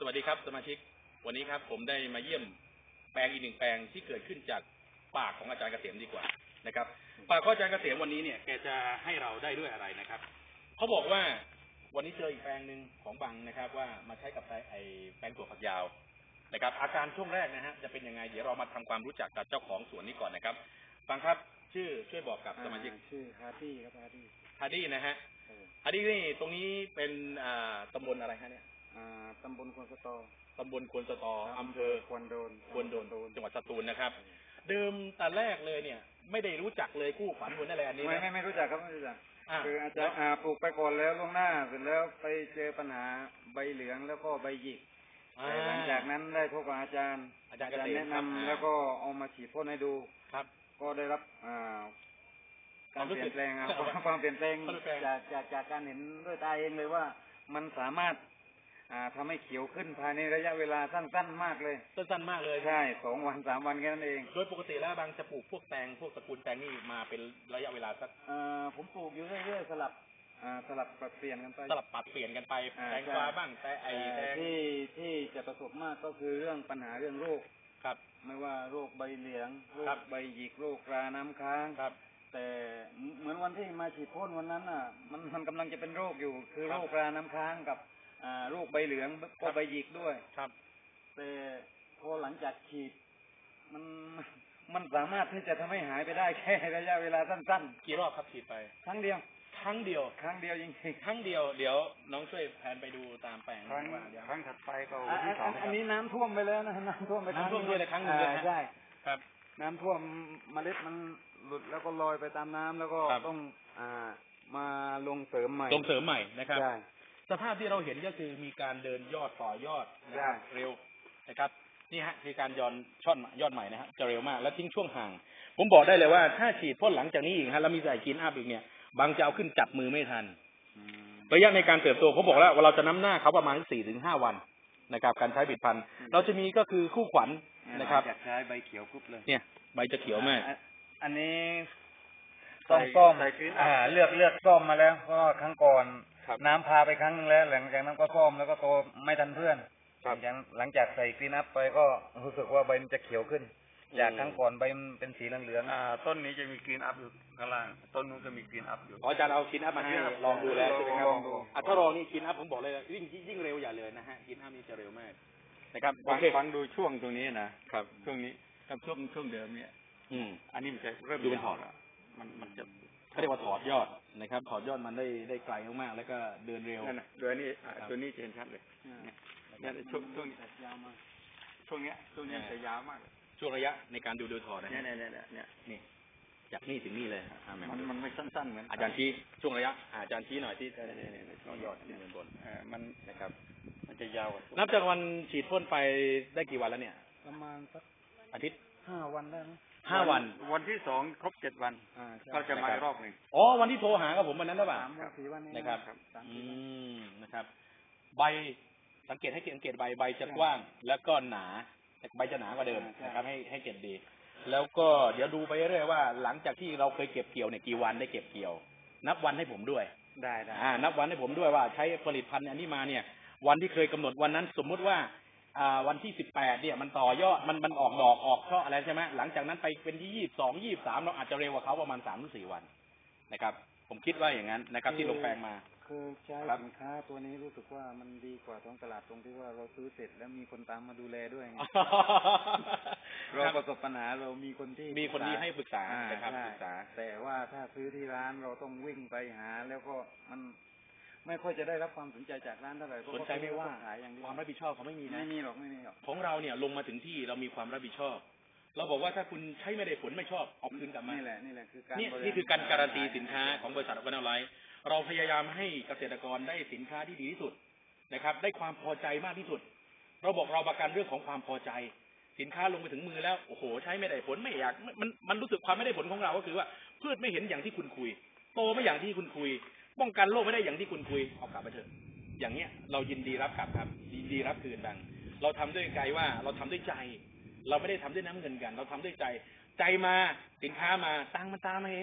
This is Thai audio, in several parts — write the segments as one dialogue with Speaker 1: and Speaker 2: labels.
Speaker 1: สวัสดีครับสมาชิกวันนี้ครับผมได้มาเยี่ยมแปลงอีกหนึ่งแปลงที่เกิดขึ้นจากปากของอาจารย์เกษมดีกว่านะครับปากของอาจารย์เกษมวันนี้เนี่ยแกจะให้เราได้ด้วยอะไรนะครับเขาบอกว่าวันนี้เจออีกแปลงหนึ่งของบังนะครับว่ามาใช้กับไอแปลงถั่วฝักยาวนะครับอาการช่วงแรกนะฮะจะเป็นยังไงเดี๋ยวเรามาทำความรู้จักกับเจ้าของสวนนี้ก่อนนะครับบังครับช่วยบอกกับสมาชิก
Speaker 2: ชื่อฮาร์ดี้ครับฮา
Speaker 1: ร์ดี้นะฮะฮาร์ดี้นี่ตรงนี้เป็นตำบลอะไรฮะเนี่ย
Speaker 2: ตำบลควนสตอ
Speaker 1: ตำบลควนสตออำเภอ
Speaker 2: ควนโดน
Speaker 1: จังหวัดสตูลนะครับเดิมแต่แรกเลยเนี่ยไม่ได้รู้จักเลยคู่ขวัญหัวอะไรอันนี้
Speaker 2: ไม่รู้จักครับไม่รู้จักคืออาจจะปลูกไปก่อนแล้วล่วงหน้าเสร็จแล้วไปเจอปัญหาใบเหลืองแล้วก็ใบหยิกหลังจากนั้นได้พบกับอาจารย์แนะนำแล้วก็เอามาฉีดพ่นให้ดู
Speaker 1: ครับ
Speaker 2: ก็ได้รับการเปลี่ยนแปลงความเปลี่ยนแปลงจากการเห็นด้วยตาเองเลยว่ามันสามารถทำให้เขียวขึ้นภายในระยะเวลาสั้นๆมากเลย
Speaker 1: สั้นๆมากเลย
Speaker 2: ใช่2 วัน 3 วันแค่นั้นเอง
Speaker 1: โดยปกติแล้วบางจะปลูกพวกแตงพวกตระกูลแตงนี่มาเป็นระยะเวลาสัก
Speaker 2: ผมปลูกอยู่เรื่อยๆสลับปรับเปลี่ยนกันไป
Speaker 1: สลับปรับเปลี่ยนกันไปแตงกวาบ้างแต่แตง
Speaker 2: ที่จะประสบมากก็คือเรื่องปัญหาเรื่องโรค
Speaker 1: ครับ
Speaker 2: ไม่ว่าโรคใบเหลืองโรคใบหยิกโรคราน้ำค้าง
Speaker 1: ครับ
Speaker 2: แต่เหมือนวันที่มาฉีดพ่นวันนั้นมันกำลังจะเป็นโรคอยู่คือโรคราน้ำค้างกับโรคใบเหลืองก็ใบหยิกด้วย
Speaker 1: ครับ
Speaker 2: แต่พอหลังจากฉีดมันสามารถที่จะทำให้หายไปได้แค่ระยะเวลาสั้น
Speaker 1: ๆกี่รอบครับฉีดไป
Speaker 2: ครั้งเดียว
Speaker 1: จริงๆครั้งเดียวเดี๋ยวน้องช่วยแผนไปดูตามแปลง
Speaker 2: ครั้งถัดไปก็ที่2อันนี้น้ำท่วมไปแล้วนะน้ำท่วมไป
Speaker 1: ด้วยในครั้งหนึ่ง
Speaker 2: ใช่
Speaker 1: ครับ
Speaker 2: น้ำท่วมเมล็ดมันหลุดแล้วก็ลอยไปตามน้ำแล้วก็ต้องมาลงเสริมใหม่
Speaker 1: นะครับสภาพที่เราเห็นก็คือมีการเดินยอดต่อยอดเร็วนะครับนี่ฮะคือการย้อนยอดใหม่นะฮะจะเร็วมากแล้วทิ้งช่วงห่างผมบอกได้เลยว่าถ้าฉีดพ่นหลังจากนี้อีกฮะแล้วมีใส่กินอัพอีกเนี่ยบางจะเอาขึ้นจับมือไม่ทันระยะในการเติบโตเขาบอกแล้วว่าเราจะน้ำหน้าเขาประมาณ4-5 วันนะครับการใช้ผลิตภัณฑ์เราจะมีก็คือคู่ขวัญนะครับ
Speaker 2: ใช้ใบเขียวปุ๊บเลย
Speaker 1: เนี่ยใบจะเขียวมาก
Speaker 2: อันนี้ส้มเลือกส้มมาแล้วเพราะครั้งก่อนน้ำพาไปครั้งนึงแล้วหลังจากนั้นก็ส้มแล้วก็โตไม่ทันเพื่อนหลังจากใส่กรีนอัพไปก็รู้สึกว่าใบมันจะเขียวขึ้นจากครั้งก่อนใบมันเป็นสีเหลืองต้นนี้จะมีกรีนอัพอยู่ข้างล่างต้นนู้นจะมีกรีนอัพอยู่
Speaker 1: อาจารย์เอากรีนอัพมาให้ลองดูแล้วใช่ไหมครับถ้าลองนี่กรีนอัพผมบอกเลยยิ่งเร็วอย่าเลยนะฮะกรีนอัพนี่จะเร็วมากนะครับ
Speaker 2: ฟังดูช่วงตรงนี้นะครับช่วงนี้กับช่วงเดิมเนี่ยอันนี้มันจะเริ่ม
Speaker 1: ดูเป็นถอดมันจะเขาเรียกว่าถอดยอดนะครับถอดยอดมันได้ไกลมากๆแล้วก็เดินเร็ว
Speaker 2: โดยนี้ตัวนี้เห็นชัดเลยเนี่ยช่วงนี้ยาวมากช่วงนี้จะยาวมาก
Speaker 1: ช่วงระยะในการดูถอดนะ
Speaker 2: นี่
Speaker 1: จากนี่ถึงนี่เลย
Speaker 2: มันไม่สั้นๆเหมือน
Speaker 1: อาจารย์ชี้ช่วงระยะอาจารย์ชี้หน่อยที่ช่วงยอดที่บน
Speaker 2: มัน
Speaker 1: นะครับ
Speaker 2: มันจะยาว
Speaker 1: นับจากวันฉีดพ่นไปได้กี่วันแล้วเนี่ย
Speaker 2: ประมาณสัก
Speaker 1: อาทิตย์
Speaker 2: 5 วันได้ไหม
Speaker 1: 5 วัน
Speaker 2: วันที่2ครบ7 วันก็จะมาอีกรอบหนึ่ง
Speaker 1: วันที่โทรหากับผมวันนั้นหรือเปล่า
Speaker 2: 3 วัน
Speaker 1: นะครับนะครับใบสังเกตใบจะกว้างแล้วก็หนาใบจะหนากว่าเดิมนะครับให้เก็บดีแล้วก็เดี๋ยวดูไปเรื่อยๆว่าหลังจากที่เราเคยเก็บเกี่ยวเนี่ยกี่วันได้เก็บเกี่ยวนับวันให้ผมด้วย
Speaker 2: ได้
Speaker 1: นับวันให้ผมด้วยว่าใช้ผลิตภัณฑ์อันนี้มาเนี่ยวันที่เคยกำหนดวันนั้นสมมุติว่าวันที่18เนี่ยมันต่อยอดมันออกดอกออกช่ออะไรใช่ไหมหลังจากนั้นไปเป็นที่22 23เราอาจจะเร็วกว่าเขาประมาณ3-4 วันนะครับผมคิดว่าอย่างนั้นนะครับที่ลงแปลงมา
Speaker 2: คือใช้สินค้าตัวนี้รู้สึกว่ามันดีกว่าท้องตลาดตรงที่ว่าเราซื้อเสร็จแล้วมีคนตามมาดูแลด้วยไงเราประสบปัญหาเรามีคนที่
Speaker 1: ให้ปรึกษานะครับปรึกษา
Speaker 2: แต่ว่าถ้าซื้อที่ร้านเราต้องวิ่งไปหาแล้วก็มันไม่ค่อยจะได้รับความสนใจจากร้านเท่าไหร่
Speaker 1: สนใจไม่ว่าความรับผิดชอบเขาไม่มีหรอกของเราเนี่ยลงมาถึงที่เรามีความรับผิดชอบเราบอกว่าถ้าคุณใช้ไม่ได้ผลไม่ชอบเอาคืนกลับมา
Speaker 2: นี่แหละคือการ
Speaker 1: นี่คือการการันตีสินค้าของบริษัทวันออนไลน์เราพยายามให้เกษตรกรได้สินค้าที่ดีที่สุดนะครับได้ความพอใจมากที่สุดเราบอกเราประกันเรื่องของความพอใจสินค้าลงไปถึงมือแล้วโอ้โหใช้ไม่ได้ผลไม่อยากมันรู้สึกความไม่ได้ผลของเราก็คือว่าพืชไม่เห็นอย่างที่คุณคุยโตไม่อย่างที่คุณคุยป้องกันโรคไม่ได้อย่างที่คุณคุยเอากลับไปเถอะอย่างเนี้ยเรายินดีรับกลับครับยินดีรับคืนดังเราทำด้วยใจว่าเราทำด้วยใจเราไม่ได้ทำด้วยน้ำเงินกันเราทำด้วยใจมาสินค้ามาตังมันตามมาเอง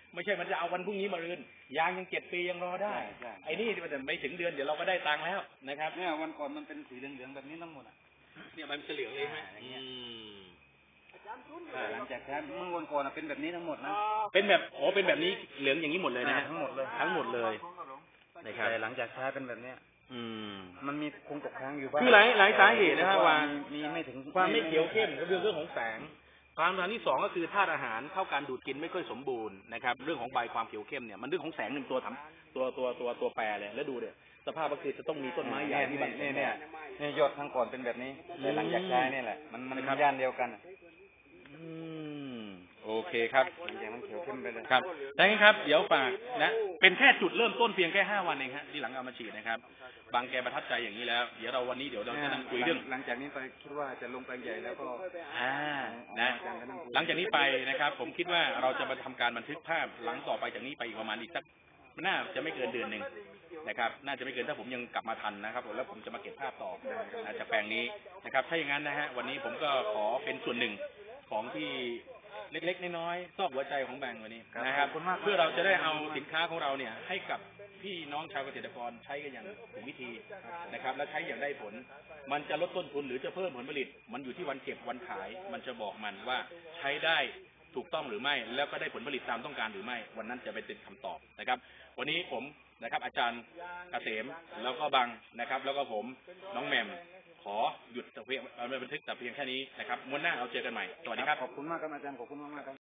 Speaker 1: ไม่ใช่มันจะเอาวันพรุ่งนี้มารืนยางยัง7 ปียังรอได้ไอ้นี่มันไม่ถึงเดือนเดี๋ยวเราก็ได้ตังค์แล้วนะครับ
Speaker 2: เนี่ยวันก่อนมันเป็นสีเหลืองๆแบบนี้ทั้งหมด
Speaker 1: เนี่ยมันจะเหลืองเลยไหม
Speaker 2: หลังจากนั้นเมื่อวันก่อนเป็นแบบนี้ทั้งหมดนะ
Speaker 1: เป็นแบบเป็นแบบนี้เหลืองอย่างนี้หมดเลยนะ
Speaker 2: ทั้งหมดเลย
Speaker 1: นะครับ
Speaker 2: แต่หลังจากใช้เป็นแบบนี้มันมีคงตกค้างอยู่บ้าง
Speaker 1: คือหลายสาเหตุนะครับว่า
Speaker 2: มีไม่ถึง
Speaker 1: ความไม่เขียวเข้มก็เรื่องของแสงความสำคัญที่2ก็คือธาตุอาหารเข้าการดูดกินไม่ค่อยสมบูรณ์นะครับเรื่องของใบความเขียวเข้มเนี่ยมันเรื่องของแสงหนึ่งตัวแปรเลยแล้วดูเนี่ยสภาพก็คือจะต้องมีต้นไม้ใหญ่ที่
Speaker 2: เนี่ยยอดทั้งก่อนเป็นแบบนี้แต่หลังจากใช้นี่แหละมันย่านเดียวกัน
Speaker 1: โอเคครับ
Speaker 2: หลังจากนั้นเขียวเข้มไปเลย
Speaker 1: ครับดังนั้นครับเดี๋ยวฝากนะเป็นแค่จุดเริ่มต้นเพียงแค่5 วันเองฮะที่หลังเอามาฉีดนะครับบางแกประทับใจอย่างนี้แล้วเดี๋ยวเราวันนี้เดี๋ยวเราจะนั่งคุยเรื่อง
Speaker 2: หลังจากนี้ไปคิดว่าจะลงแปลงใหญ่แล้วก็
Speaker 1: นะหลังจากนี้ไปนะครับผมคิดว่าเราจะมาทำการบันทึกภาพหลังต่อไปจากนี้ไปอีกประมาณอีกสักน่าจะไม่เกินเดือนหนึ่งนะครับน่าจะไม่เกินถ้าผมยังกลับมาทันนะครับแล้วผมจะมาเก็บภาพต่อจากแปลงนี้นะครับถ้าอย่างนั้นนะฮะวันนี้ผมก็ขอเป็นส่วนหนึ่งของที่เล็กๆน้อยๆซอกหัวใจของแบงค์วันนี้นะครับเพื่อเราจะได้เอาสินค้าของเราเนี่ยให้กับพี่น้องชาวเกษตรกรใช้กันอย่างถูกวิธีนะครับและใช้อย่างได้ผลมันจะลดต้นทุนหรือจะเพิ่มผลผลิตมันอยู่ที่วันเก็บวันขายมันจะบอกมันว่าใช้ได้ถูกต้องหรือไม่แล้วก็ได้ผลผลิตตามต้องการหรือไม่วันนั้นจะเป็นคำตอบนะครับวันนี้ผมนะครับอาจารย์เกษมแล้วก็บังนะครับแล้วก็ผมน้องแหม่มขอหยุดแต่เพียงบันทึกแต่เพียงแค่นี้นะครับม้วนหน้าเราเจอกันใหม่สวัสดีครับ
Speaker 2: ขอบคุณมากครับอาจารย์ขอบคุณมากครับ